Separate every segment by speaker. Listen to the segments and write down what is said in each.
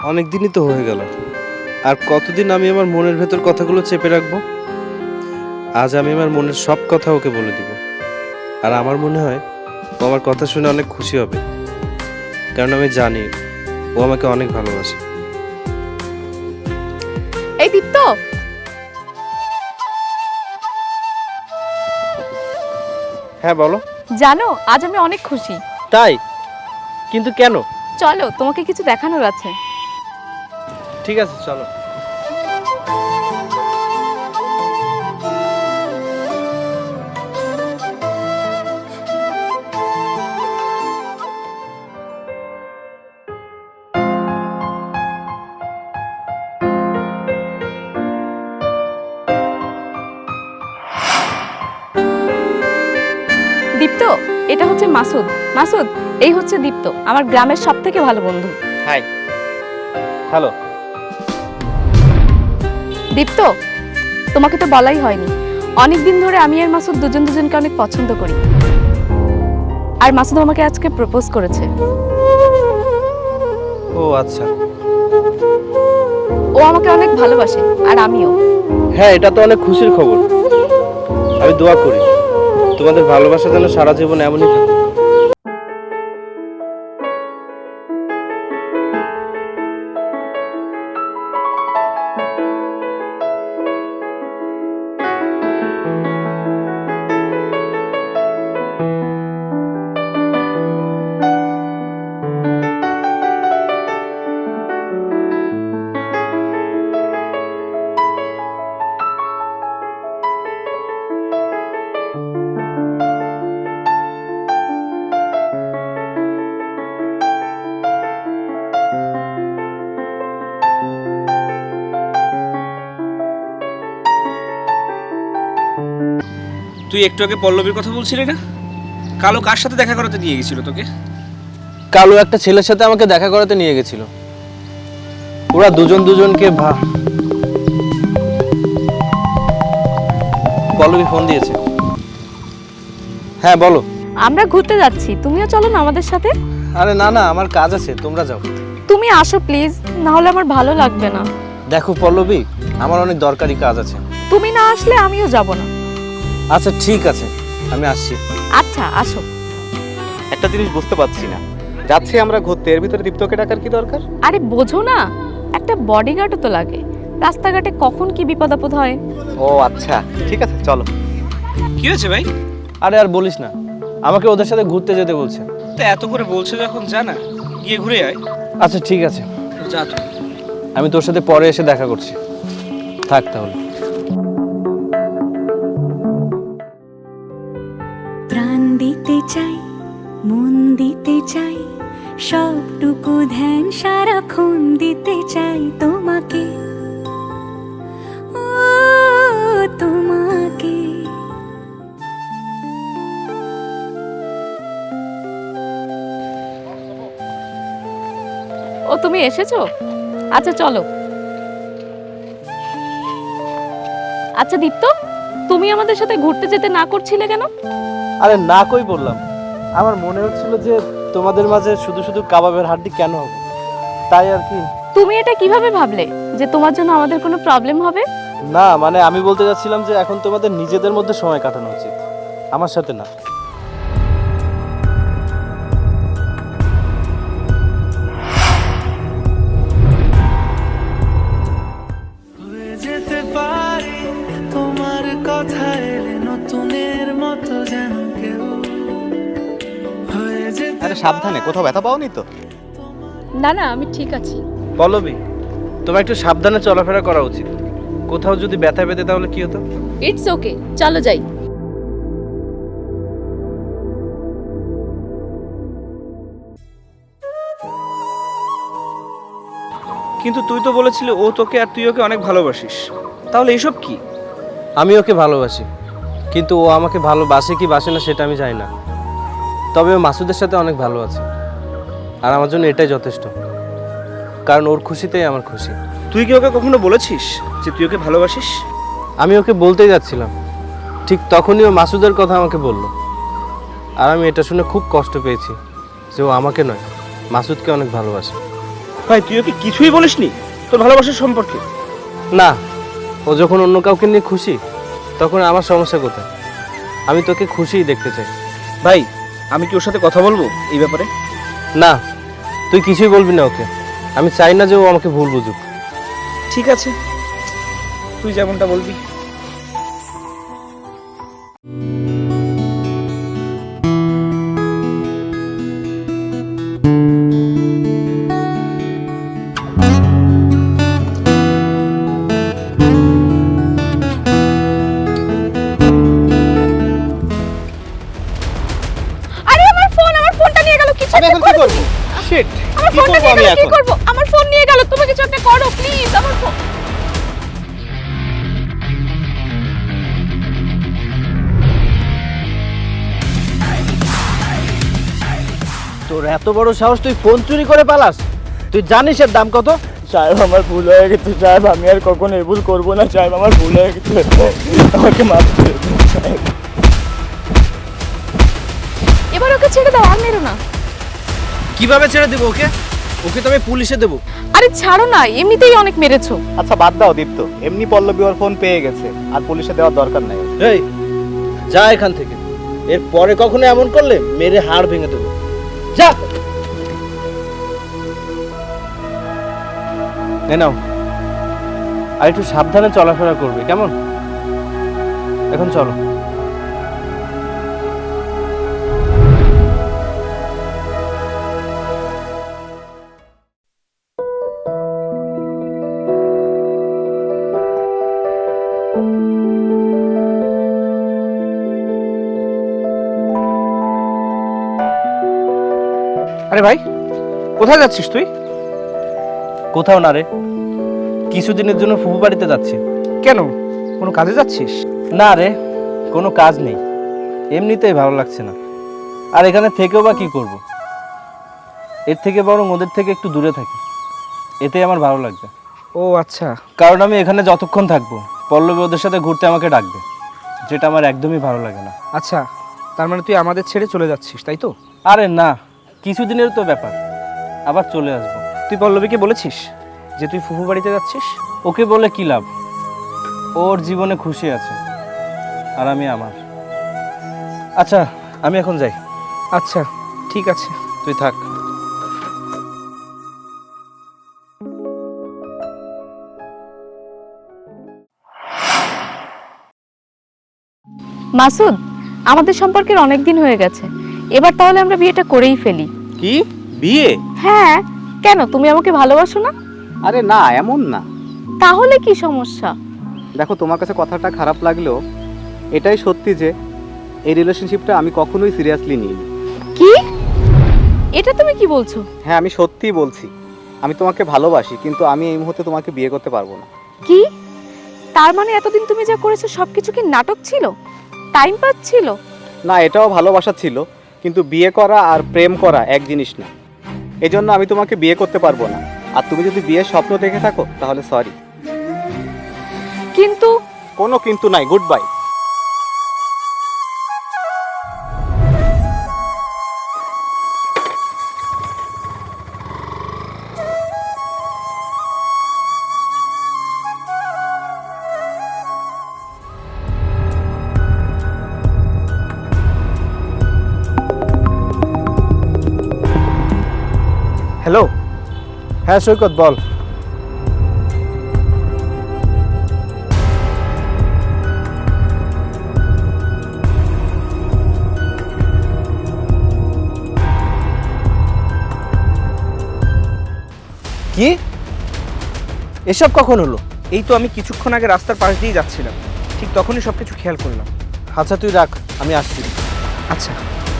Speaker 1: অনেক দিনই তো হয়ে গেল, আর কতদিন আমি আমার মনের ভেতর কথাগুলো চেপে রাখবো। আজ আমি আমার মনের সব কথা ওকে বলে দিব। আর আমার মনে হয় ও আমার কথা শুনে অনেক খুশি হবে, কারণ আমি জানি ও আমাকে অনেক ভালোবাসে।
Speaker 2: এই দীপ্ত,
Speaker 1: হ্যাঁ বলো।
Speaker 2: জানো আজ আমি অনেক খুশি।
Speaker 1: তাই? কিন্তু কেন?
Speaker 2: চলো তোমাকে কিছু দেখানোর আছে।
Speaker 1: ঠিক আছে চলো।
Speaker 2: দীপ্ত, এটা হচ্ছে মাসুদ। মাসুদ, এই হচ্ছে দীপ্ত, আমার গ্রামের সবথেকে ভালো বন্ধু।
Speaker 1: হাই। হ্যালো।
Speaker 2: দীপ্ত, তোমাকে তো বলাই হয়নি, অনেক দিন ধরে আমি আর মাসুদ দুজন দুজনকে অনেক পছন্দ করি। আর মাসুদ আমাকে আজকে প্রপোজ করেছে।
Speaker 1: ও আচ্ছা।
Speaker 2: ও আমাকে অনেক ভালোবাসে, আর আমিও।
Speaker 1: হ্যাঁ, এটা তো অনেক খুশির খবর। আমি দোয়া করি তোমাদের ভালোবাসা যেন সারা জীবন এমনই থাকে।
Speaker 3: তুই একটু আগে পল্লবীর কথা বলছিলি না? কালো কার সাথে দেখা করাতে নিয়ে গেছিল তোকে?
Speaker 1: কালো একটা ছেলের সাথে আমাকে দেখা করাতে নিয়ে গেছিল। ওরা দুজন দুজনকে পল্লবী ফোন দিয়েছে। হ্যাঁ বলো।
Speaker 2: আমরা ঘুরতে যাচ্ছি, তুমিও চলো না আমাদের সাথে।
Speaker 1: আরে না না, আমার কাজ আছে, তোমরা যাও।
Speaker 2: তুমি আসো প্লিজ, না হলে আমার ভালো লাগবে না।
Speaker 1: দেখো পল্লবী, আমার অনেক দরকারি কাজ আছে।
Speaker 2: তুমি না আসলে আমিও যাব না।
Speaker 1: আচ্ছা ঠিক আছে, আমি আসছি।
Speaker 2: আচ্ছা আসো।
Speaker 4: একটা জিনিস বুঝতে পারছি না, যাচ্ছি আমরা ঘুরতে, এর ভিতরে দীপ্তকে ডাকার কি দরকার?
Speaker 2: আরে বোঝো না, একটা বডিগার্ডও তো লাগে, রাস্তাঘাটে কখন কি বিপদ আপদ হয়।
Speaker 4: ও আচ্ছা, ঠিক আছে চলো।
Speaker 3: কি হয়েছে ভাই?
Speaker 1: আরে আর বলিস না, আমাকে ওদের সাথে ঘুরতে যেতে বলছে।
Speaker 3: তা এত করে বলছে যখন যা না, গিয়ে ঘুরে আয়।
Speaker 1: আচ্ছা ঠিক আছে,
Speaker 3: যা তুই।
Speaker 1: আমি তোর সাথে পরে এসে দেখা করছি। থাক তাহলে।
Speaker 5: প্রাণ দিতে চাই, মন দিতে চাই, সবটুকু ধ্যান সারাক্ষণ দিতে চাই তোমাকে, ও তোমাকে।
Speaker 2: ও তুমি এসেছো? আচ্ছা চলো। আচ্ছা দীপ্ত, তুমি আমাদের সাথে ঘুরতে যেতে না করছিলে কেন?
Speaker 1: আরে না কই বললাম, আমার মনে হচ্ছিল যে তোমাদের মাঝে শুধু শুধু কাবাবের হাড্ডি কেন হবে, তাই আর কি।
Speaker 2: তুমি এটা কিভাবে ভাবলে যে তোমার জন্য আমাদের কোনো প্রবলেম হবে?
Speaker 1: না মানে আমি বলতে যাচ্ছিলাম যে এখন তোমাদের নিজেদের মধ্যে সময় কাটানো উচিত, আমার সাথে না।
Speaker 6: যেতে পারি তোমার কথা এলে নতুনের মতো যেন কেউ হয়ে যেতে।
Speaker 4: আরে সাবধানে, কোথাও ব্যথা পাওনি তো?
Speaker 2: না না, আমি ঠিক আছি।
Speaker 1: পল্লবী, তোমার একটু সাবধানে চলাফেরা করা উচিত। কোথাও যদি ব্যথা পেতে তাহলে কি হতো?
Speaker 2: ইটস ওকে, চলো যাই।
Speaker 3: কিন্তু তুই তো বলেছিলি ও তোকে আর তুই ওকে অনেক ভালোবাসিস, তাহলে এসব কি?
Speaker 1: আমি ওকে ভালোবাসি, কিন্তু ও আমাকে ভালোবাসে কি বাসে না সেটা আমি জানি না। তবে ও মাসুদের সাথে অনেক ভালো আছে, আর আমার জন্য এটাই যথেষ্ট, কারণ ওর খুশিতেই আমার খুশি।
Speaker 3: তুই কি ওকে কখনো বলেছিস যে তুই ওকে ভালোবাসিস?
Speaker 1: আমি ওকে বলতেই যাচ্ছিলাম, ঠিক তখনই ও মাসুদের কথা আমাকে বলল। আর আমি এটা শুনে খুব কষ্ট পেয়েছি যে ও আমাকে নয়, মাসুদকে অনেক ভালোবাসে।
Speaker 3: ভাই তুই ওকে কিছুই বলিসনি তোর ভালোবাসার সম্পর্কে?
Speaker 1: না, ও যখন অন্য কাউকে নিয়ে খুশি তখন আমার সমস্যা কোথায়? আমি তোকে খুশিই দেখতে চাই।
Speaker 3: ভাই আমি কি ওর সাথে কথা বলবো এই ব্যাপারে?
Speaker 1: না, তুই কিছুই বলবি না ওকে। আমি চাই না যে ও আমাকে ভুল বুঝুক।
Speaker 3: ঠিক আছে, তুই যেমনটা বলবি।
Speaker 2: আরে আমার ফোনটা নিয়ে গেল, কিছু
Speaker 4: আমি
Speaker 2: একটা
Speaker 4: এখন কি
Speaker 2: করো
Speaker 4: করব?
Speaker 2: তুমি।
Speaker 4: শিট,
Speaker 2: আমার
Speaker 4: কি
Speaker 2: ফোনটা
Speaker 4: করব
Speaker 2: নিয়ে
Speaker 4: আমি
Speaker 2: গেল, কি
Speaker 4: এখন?
Speaker 2: করব? আমার ফোন নিয়ে গেল, তুমি কিছু একটা করো প্লিজ। আমার ফোন।
Speaker 1: তোর এত বড় সাহস, তুই ফোন চুরি করে পালাস? তুই জানিস এর দাম কত?
Speaker 7: সাহেব আমার ভুল হয়ে গেছে সাহেব, আমি আর কখনো এই ভুল করবো না সাহেব, আমার ভুল হয়ে গেছে, আমাকে মাফ করে দিন সাহেব।
Speaker 2: এবার ওকে ছেড়ে দাও, আর মেরো না।
Speaker 1: কিভাবে ছেড়ে দেবো ওকে? ওকে তো আমি পুলিশে দেবো।
Speaker 2: আরে ছাড়ো না, এমনিতেই অনেক মেরেছো।
Speaker 4: আচ্ছা বাদ দাও দীপ্ত, এমনি পল্লবী ওর ফোন পেয়ে গেছে, আর পুলিশে দেওয়ার দরকার নাই।
Speaker 1: এই যা এখান থেকে, এর পরে কখনো এমন করলে মেরে হাড় ভেঙে দেবো। যা। নাও, আর একটু সাবধানে চলাফেরা করবে, কেমন? এখন চলো।
Speaker 3: আরে ভাই কোথায় যাচ্ছিস তুই?
Speaker 1: কোথাও না রে, কিছুদিনের জন্য ফুফু বাড়িতে যাচ্ছি।
Speaker 3: কেন, কোনো কাজে যাচ্ছিস?
Speaker 1: না রে, কোনো কাজ নেই, এমনিতেই ভালো লাগছে না। আর এখানে থেকেও বা কি করব? এর থেকে বরং ওদের থেকে একটু দূরে থাকি, এতেই আমার ভালো লাগবে।
Speaker 3: ও আচ্ছা।
Speaker 1: কারণ আমি এখানে যতক্ষণ থাকবো পল্লবী ওদের সাথে ঘুরতে আমাকে ডাকবে, যেটা আমার একদমই ভালো লাগে না।
Speaker 3: আচ্ছা, তার মানে তুই আমাদের ছেড়ে চলে যাচ্ছিস তাই তো?
Speaker 1: আরে না, কিছুদিনের তো ব্যাপার, আবার চলে আসবো।
Speaker 3: তুই পল্লবীকে বলেছিস যে তুই ফুফু বাড়িতে যাচ্ছিস?
Speaker 1: ওকে বলে কি লাভ? ওর জীবনে খুশি আছে, আর আমি আমার। আচ্ছা আমি এখন যাই।
Speaker 3: আচ্ছা ঠিক আছে,
Speaker 1: তুই থাক।
Speaker 2: মাসুদ, আমাদের সম্পর্কের অনেক দিন হয়ে গেছে, এবার তাহলে আমরা বিয়েটা করেই ফেলি।
Speaker 4: কি বিয়ে?
Speaker 2: হ্যাঁ, কেন তুমি আমাকে ভালোবাসো না?
Speaker 4: আরে না, এমন না।
Speaker 2: তাহলে কি সমস্যা?
Speaker 4: দেখো, তোমার কাছে কথাটা খারাপ লাগলেও এটাই সত্যি যে এই রিলেশনশিপটা আমি কখনোই সিরিয়াসলি নিইনি।
Speaker 2: কি? এটা তুমি কি বলছো?
Speaker 4: হ্যাঁ, আমি সত্যিই বলছি। আমি তোমাকে ভালোবাসি, কিন্তু আমি এই মুহূর্তে তোমাকে বিয়ে করতে পারবো না।
Speaker 2: কি? তার মানে এতদিন তুমি যা করেছো সবকিছু কি নাটক ছিল, টাইম পাস ছিল?
Speaker 4: না, এটাও ভালোবাসা ছিল, কিন্তু বিয়ে করা আর প্রেম করা এক জিনিস না। এই জন্য আমি তোমাকে বিয়ে করতে পারবো না। আর তুমি যদি বিয়ের স্বপ্ন দেখে থাকো তাহলে সরি।
Speaker 2: কিন্তু
Speaker 4: কোনো কিন্তু নাই, গুড বাই।
Speaker 3: হ্যালো।
Speaker 1: হ্যাঁ সৈকত, বল। কি? এসব কখন হলো?
Speaker 3: এই তো আমি কিছুক্ষণ আগে রাস্তার পাশ দিয়ে যাচ্ছিলাম, ঠিক তখনই সবকিছু খেয়াল করলাম।
Speaker 1: আচ্ছা তুই রাখ, আমি আসছি।
Speaker 3: আচ্ছা।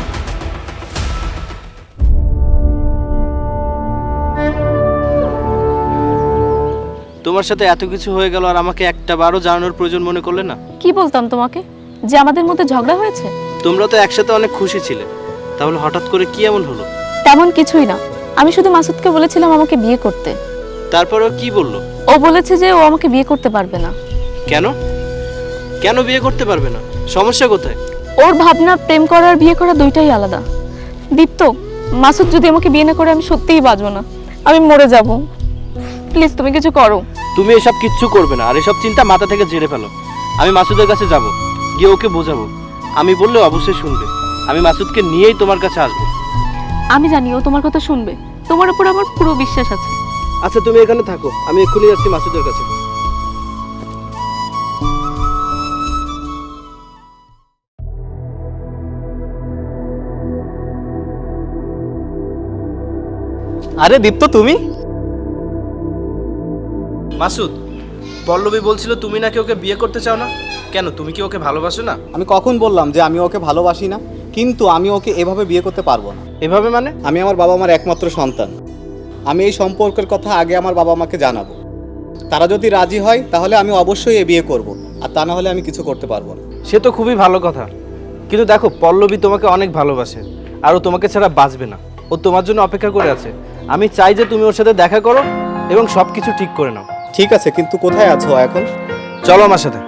Speaker 1: তোমার সাথে এত কিছু হয়ে গেল আর আমাকে একটা বারও জানানোর প্রয়োজন মনে করলে না?
Speaker 2: কি বলতাম তোমাকে যে আমাদের মধ্যে ঝগড়া হয়েছে?
Speaker 1: তোমরা তো একসাথে অনেক খুশি ছিলে, তাহলে হঠাৎ করে কি এমন হলো?
Speaker 2: তেমন কিছুই না, আমি শুধু মাসুদকে বলেছিলাম আমাকে বিয়ে করতে।
Speaker 1: তারপরেও কি বললো?
Speaker 2: ও বলেছে যে ও আমাকে বিয়ে করতে পারবে না।
Speaker 1: কেন? কেন বিয়ে করতে পারবে না? সমস্যা কোথায়?
Speaker 2: ওর ভাবনা প্রেম করা আর বিয়ে করা দুইটাই আলাদা। দীপ্ত, মাসুদ যদি আমাকে বিয়ে না করে আমি সত্যিই বাঁচবো না। আমি মরে যাব। প্লিজ তুমি কিছু করো।
Speaker 1: তুমি এসব কিচ্ছু করবে না, আর এসব চিন্তা মাথা থেকে ঝেড়ে ফেলো। আমি মাসুদের কাছে যাব, গিয়ে ওকে বোঝাবো। আমি বললে অবশ্যই শুনবে। আমি মাসুদকে নিয়েই তোমার কাছে আসবো।
Speaker 2: আমি জানি ও তোমার কথা শুনবে, তোমার উপর আমার পুরো বিশ্বাস আছে।
Speaker 1: আচ্ছা তুমি এখানে থাকো, আমি এক্ষুনি যাচ্ছি মাসুদের কাছে।
Speaker 4: আরে দীপ্ত, তুমি?
Speaker 1: মাসুদ, পল্লবী বলছিল তুমি নাকি ওকে বিয়ে করতে চাও না। কেন, তুমি কি ওকে ভালোবাসো না?
Speaker 4: আমি কখন বললাম যে আমি ওকে ভালোবাসি না? কিন্তু আমি ওকে এভাবে বিয়ে করতে পারবো না।
Speaker 1: এভাবে মানে?
Speaker 4: আমি আমার বাবা মার একমাত্র সন্তান। আমি এই সম্পর্কের কথা আগে আমার বাবা মাকে জানাবো। তারা যদি রাজি হয় তাহলে আমি অবশ্যই এ বিয়ে করব, আর তা না হলে আমি কিছু করতে পারবো না।
Speaker 1: সে তো খুবই ভালো কথা, কিন্তু দেখো পল্লবী তোমাকে অনেক ভালোবাসে, আর ও তোমাকে ছাড়া বাঁচবে না। ও তোমার জন্য অপেক্ষা করে আছে। আমি চাই যে তুমি ওর সাথে দেখা করো এবং সব কিছু ঠিক করে নাও।
Speaker 4: ঠিক আছে, কিন্তু কোথায় আছো এখন?
Speaker 1: চলো আমার সাথে।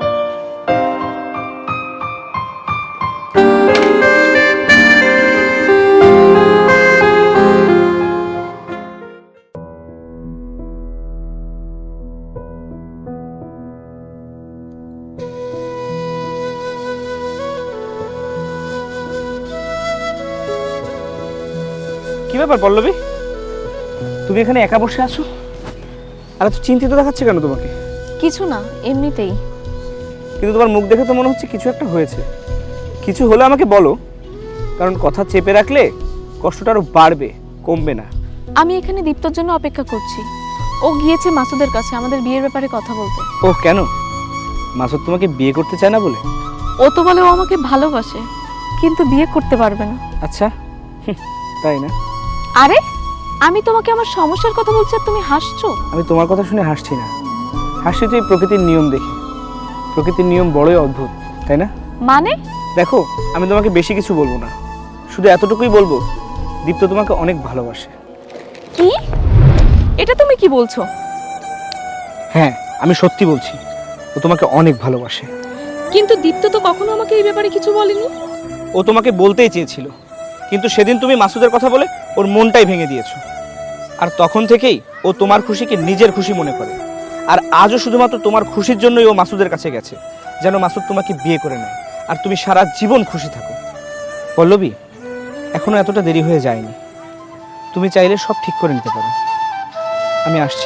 Speaker 3: কি ব্যাপার পল্লবী, তুমি এখানে একা বসে আছো? আর এত চিন্তিত দেখাচ্ছে কেন তোমাকে?
Speaker 2: কিছু না, এমনিতেই।
Speaker 3: কিন্তু তোমার মুখ দেখে তো মনে হচ্ছে কিছু একটা হয়েছে। কিছু হলে আমাকে বলো, কারণ কথা চেপে রাখলে কষ্টটা আরো বাড়বে, কমবে না।
Speaker 2: আমি এখানে দীপ্তর জন্য অপেক্ষা করছি। ও গিয়েছে মাসুদের কাছে আমাদের বিয়ের ব্যাপারে কথা বলতে।
Speaker 3: ও কেন? মাসুদ তোমাকে বিয়ে করতে চায় না বলে?
Speaker 2: ও তো বলে ও আমাকে ভালোবাসে, কিন্তু বিয়ে করতে পারবে না।
Speaker 3: আচ্ছা, তাই না?
Speaker 2: আরে আমি তোমাকে আমার সমস্যার কথা বলছি আর তুমি হাসছো।
Speaker 3: আমি তোমার কথা শুনে হাসছি না, হাসছি তো এই প্রকৃতির নিয়ম দেখে। প্রকৃতির নিয়ম বড়ই অদ্ভুত, তাই না?
Speaker 2: মানে?
Speaker 3: দেখো, আমি তোমাকে বেশি কিছু বলবো না, শুধু এতটুকুই বলবো, দীপ্ত তোমাকে অনেক ভালোবাসে।
Speaker 2: কি? এটা তুমি কি বলছো?
Speaker 3: হ্যাঁ, আমি সত্যি বলছি, ও তোমাকে অনেক ভালোবাসে।
Speaker 2: কিন্তু দীপ্ত তো কখনো আমাকে এই ব্যাপারে কিছু বলেনি।
Speaker 3: ও তোমাকে বলতেই চেয়েছিল, কিন্তু সেদিন তুমি মাসুদের কথা বলে ওর মনটাই ভেঙে দিয়েছো। আর তখন থেকেই ও তোমার খুশিকে নিজের খুশি মনে করে। আর আজও শুধুমাত্র তোমার খুশির জন্যই ও মাসুদের কাছে গেছে, যেন মাসুদ তোমাকে বিয়ে করে নেয় আর তুমি সারা জীবন খুশি থাকো। পল্লবী, এখনো এতটা দেরি হয়ে যায়নি। তুমি চাইলে সব ঠিক করে নিতে পারো। আমি আসছি।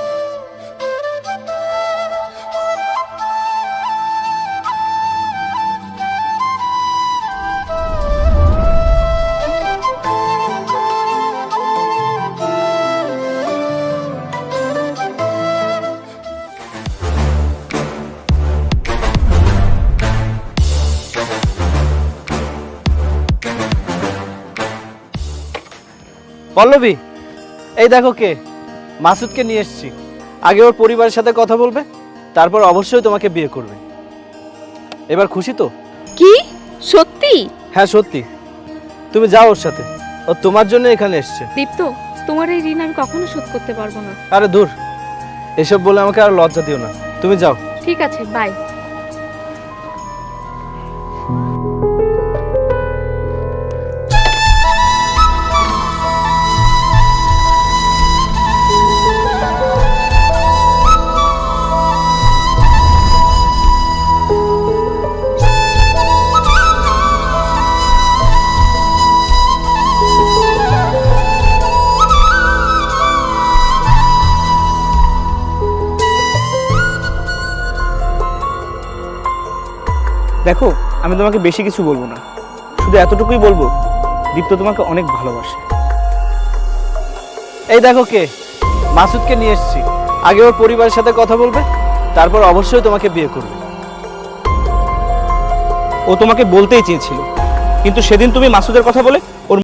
Speaker 1: পল্লবী, এই দেখো কে, মাসুদকে নিয়ে এসেছি। আগে ওর পরিবারের সাথে কথা বলবে, তারপর অবশ্যই তোমাকে বিয়ে করবে। এবার খুশি তো?
Speaker 2: কি সত্যি?
Speaker 1: হ্যাঁ সত্যি। তুমি যাও ওর সাথে, ও তোমার জন্য এখানে এসছে।
Speaker 2: দীপ্ত, তোমার এই ঋণ আমি কখনো শোধ করতে পারবো না।
Speaker 1: আরে দূর, এসব বলে আমাকে আর লজ্জা দিও না। তুমি যাও।
Speaker 2: ঠিক আছে, বাই।
Speaker 3: দেখো, আমি তোমাকে বেশি কিছু বলবো না, শুধু এতটুকুই বলবো, দীপ্ত তোমাকে অনেক ভালোবাসে।
Speaker 1: এই দেখো কে, মাসুদকে নিয়ে এসেছি। আগে ওর পরিবারের সাথে কথা বলবে, তারপর অবশ্যই তোমাকে বিয়ে করবে।
Speaker 3: ও তোমাকে বলতেই চেয়েছিল, কিন্তু সেদিন তুমি মাসুদের কথা বলে ওর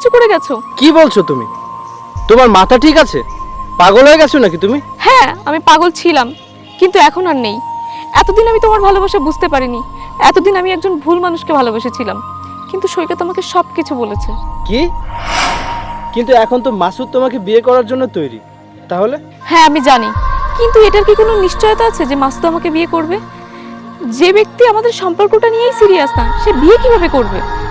Speaker 2: কিছু করে গেছো।
Speaker 1: কি বলছো তুমি? তোমার মাথা ঠিক আছে? পাগল হয়ে গেছো নাকি তুমি?
Speaker 2: হ্যাঁ, আমি পাগল ছিলাম, কিন্তু এখন আর নেই। এতদিন আমি তোমার ভালোবাসা বুঝতে পারিনি। এতদিন আমি একজন ভুল মানুষকে ভালোবেসেছিলাম, কিন্তু সৈকত আমাকে সব কিছু বলেছে।
Speaker 1: কি? কিন্তু এখন তো মাসুদ তোমাকে বিয়ে করার জন্য তৈরি, তাহলে?
Speaker 2: হ্যাঁ আমি জানি, কিন্তু এটার কি কোনো নিশ্চয়তা আছে যে মাসুদ আমাকে বিয়ে করবে? যে ব্যক্তি আমাদের সম্পর্কটা নিয়েই সিরিয়াস না, সে বিয়ে কিভাবে করবে?